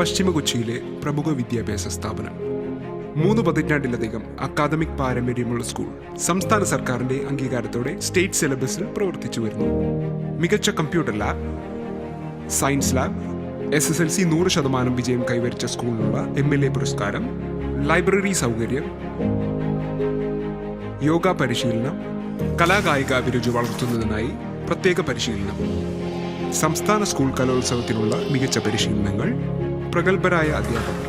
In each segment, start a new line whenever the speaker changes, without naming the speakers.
പശ്ചിമ കൊച്ചിയിലെ പ്രമുഖ വിദ്യാഭ്യാസ സ്ഥാപനം. 3 പതിറ്റാണ്ടിലധികം അക്കാദമിക് പാരമ്പര്യമുള്ള സ്കൂൾ സംസ്ഥാന സർക്കാരിന്റെ അംഗീകാരത്തോടെ സ്റ്റേറ്റ് സിലബസിൽ പ്രവർത്തിച്ചു വരുന്നു. മികച്ച computer lab, science lab, SSLC 100% വിജയം കൈവരിച്ച സ്കൂളിനുള്ള MLA പുരസ്കാരം, ലൈബ്രറി സൗകര്യം, യോഗ പരിശീലനം, കലാകായിക അഭിരുചി വളർത്തുന്നതിനായി പ്രത്യേക പരിശീലനം, സംസ്ഥാന സ്കൂൾ കലോത്സവത്തിനുള്ള മികച്ച പരിശീലനങ്ങൾ, പ്രഗത്ഭരായ അധ്യാപകർ.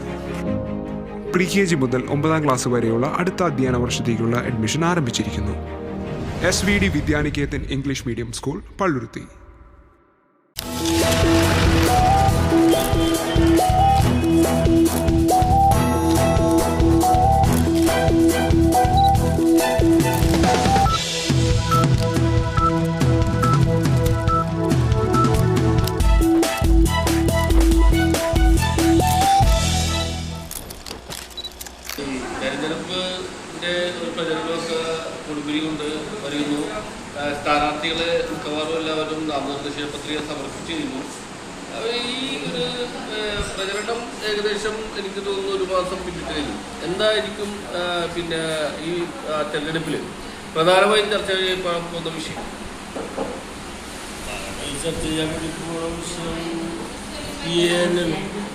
PKG മുതൽ 9ാം ക്ലാസ് വരെയുള്ള അടുത്ത അധ്യയന വർഷത്തേക്കുള്ള അഡ്മിഷൻ ആരംഭിച്ചിരിക്കുന്നു. SVD Vidyaniketan English medium school, Palluruthy.
തെരഞ്ഞെടുപ്പിൻ്റെ ഒരു പ്രചരണമൊക്കെ കൊടുമ്പിരി കൊണ്ട് വരുന്നു. സ്ഥാനാർത്ഥികളെ മിക്കവാറും എല്ലാവരും നാമനിർദ്ദേശ പത്രിക സമർപ്പിച്ചിരുന്നു. ഈ ഒരു പ്രചരണം ഏകദേശം എനിക്ക് തോന്നുന്നു 1 മാസം പിന്നിട്ടിരുന്നു. എന്തായിരിക്കും പിന്നെ ഈ തെരഞ്ഞെടുപ്പിൽ പ്രധാനമായും ചർച്ച ചെയ്യാൻ പോകുന്ന വിഷയം?
ചർച്ച ചെയ്യാൻ വേണ്ടി പോകുന്ന വിഷയം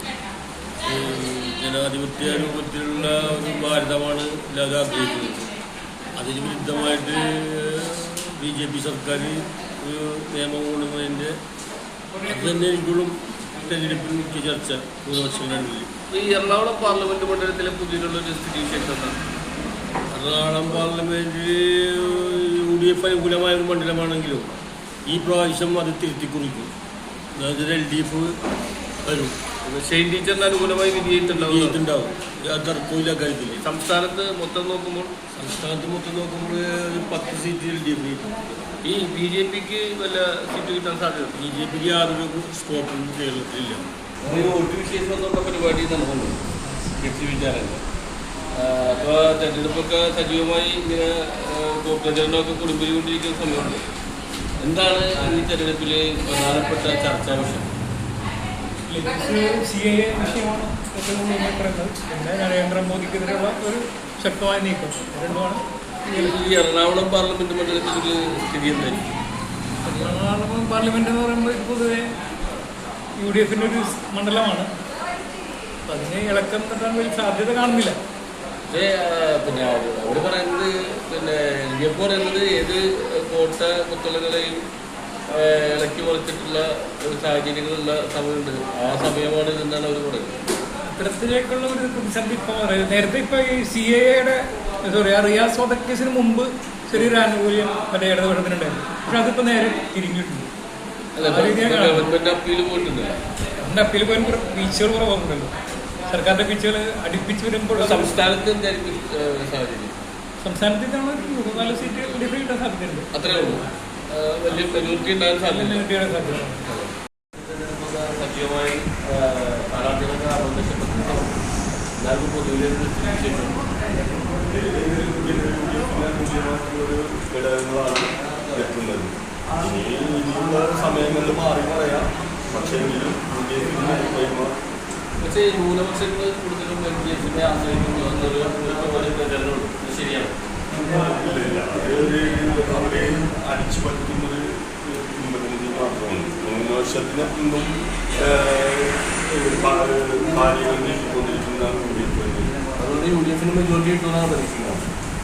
ജനാധിപത്യ രൂപത്തിലുള്ള ഒരു ഭാരതമാണ് എല്ലാവരും ആഗ്രഹിക്കുന്നത്. അതിന് വിരുദ്ധമായിട്ട് BJP സർക്കാർ ഒരു നിയമം കൊണ്ടുവന്നതിൻ്റെ അത് തന്നെ ഇപ്പോഴും തെരഞ്ഞെടുപ്പിൽ മുഖ്യ ചർച്ച 3 വർഷങ്ങളിൽ.
ഈ എറണാകുളം പാർലമെന്റ് മണ്ഡലത്തിലെ പുതിയിട്ടുള്ളൊരു സ്ഥിതിവിശേഷം എന്താണ്?
എറണാകുളം പാർലമെൻറ്റിൽ UDF അനുകൂലമായ ഒരു മണ്ഡലമാണെങ്കിലും ഈ പ്രാവശ്യം അത് തിരുത്തി കുറിക്കും. അതായത് LDF വരും.
ഷെയ്ൻ ടീച്ചറിന് അനുകൂലമായി വിധിയിട്ടുണ്ടാവും.
തർക്കമില്ല കാര്യത്തില്ല.
സംസ്ഥാനത്ത് മൊത്തം നോക്കുമ്പോൾ
ഒരു 10 സീറ്റ് LDF.
ഈ BJPക്ക് വല്ല സീറ്റ് കിട്ടാൻ സാധ്യത?
BJPക്ക് യാതൊരു സ്കോപ്പും കേരളത്തിലില്ല.
വോട്ട് വിശേഷം എന്നുള്ള പരിപാടി നടക്കുന്നു വിചാരങ്ങൾ. അപ്പോൾ തെരഞ്ഞെടുപ്പൊക്കെ സജീവമായി ഇങ്ങനെ പ്രചരണമൊക്കെ കൊടുമ്പിരിക്കൊണ്ടിരിക്കുന്ന സമയമുണ്ട്. എന്താണ് ഈ തെരഞ്ഞെടുപ്പിൽ പ്രധാനപ്പെട്ട ചർച്ചാ വിഷയം?
CAA വിഷയമാണ് ഏറ്റവും കൂടുതൽ പറയുന്നത്. പിന്നെ നരേന്ദ്രമോദിക്കെതിരെയുള്ള ഒരു ശക്തമായ നീക്കം രണ്ടുമാണ്.
ഈ എറണാകുളം പാർലമെന്റ് മണ്ഡലത്തിലൊരു സ്ഥിതി എന്തായിരിക്കും?
എറണാകുളം പാർലമെന്റ് എന്ന് പറയുമ്പോൾ പൊതുവെ UDFിൻ്റെ ഒരു മണ്ഡലമാണ്. അതിന് ഇളക്കം തട്ടാൻ വലിയ സാധ്യത കാണുന്നില്ല.
പക്ഷേ പിന്നെ അവർ പറയുന്നത് LDF പറയുന്നത് ഏത് കോട്ട കുത്തളകളെയും ഇളക്കി മറിച്ചിട്ടുള്ള ഒരു സാഹചര്യങ്ങളുള്ള സമയമുണ്ട്. ആ സമയമാണ് ഇതെന്നാണ് അവർ പറയുന്നത്.
ഇത്തരത്തിലേക്കുള്ള ഒരു പ്രതിസന്ധി ഇപ്പോൾ പറയുന്നത്. നേരത്തെ ഇപ്പോൾ ഈ CAAയുടെ റിയാസ് വധക്കേസിന് മുമ്പ് ചെറിയൊരു ആനുകൂല്യം മറ്റേ ഇടതുപക്ഷത്തിനുണ്ടായിരുന്നു. പക്ഷെ അതിപ്പോൾ നേരെ തിരിഞ്ഞിട്ടുണ്ട്.
ഗവൺമെന്റ് അപ്പീൽ പോയിട്ടുണ്ട്.
അതിൻ്റെ അപ്പീൽ പോലും വീഴ്ചകൾ കുറവുണ്ടല്ലോ. സർക്കാരിൻ്റെ വീഴ്ചകൾ അടുപ്പിച്ച് വരുമ്പോൾ
സംസ്ഥാനത്ത് എന്തായിരിക്കും സാഹചര്യം?
സംസ്ഥാനത്തിൽ ഇതാണ് 3-4 സീറ്റ് LDF കിട്ടാൻ സാധ്യതയുണ്ട്.
അത്രേ ഉള്ളൂ. വലിയ മെജോറിറ്റി ഉണ്ടാകാൻ സാധ്യത. സജീവമായി സ്ഥാനാർത്ഥികളൊക്കെ ആവശ്യപ്പെട്ടു. എല്ലാവർക്കും പൊതുവിലെ
ഘടകങ്ങളാണ് എത്തുന്നത്. ഇനിയുള്ള സമയങ്ങളിൽ മാറി പറയാം. പക്ഷേ
ന്യൂനപക്ഷങ്ങൾ കൂടുതലും LDFിനെ ആശ്രയിക്കുന്നു എന്നൊരു പ്രചരണമുണ്ട്. ശരിയാണ്.
അവരെ അടിച്ചു പറ്റുന്നൊരു കുടുംബത്തിന് മാത്രമാണ്. 3 വർഷത്തിന് മുമ്പും കാര്യങ്ങൾ നീക്കിക്കൊണ്ടിരിക്കുന്ന
അതുകൊണ്ട് UDFിന് മെജോറിറ്റി കിട്ടുമെന്നാണ് പ്രതീക്ഷിക്കുന്നത്.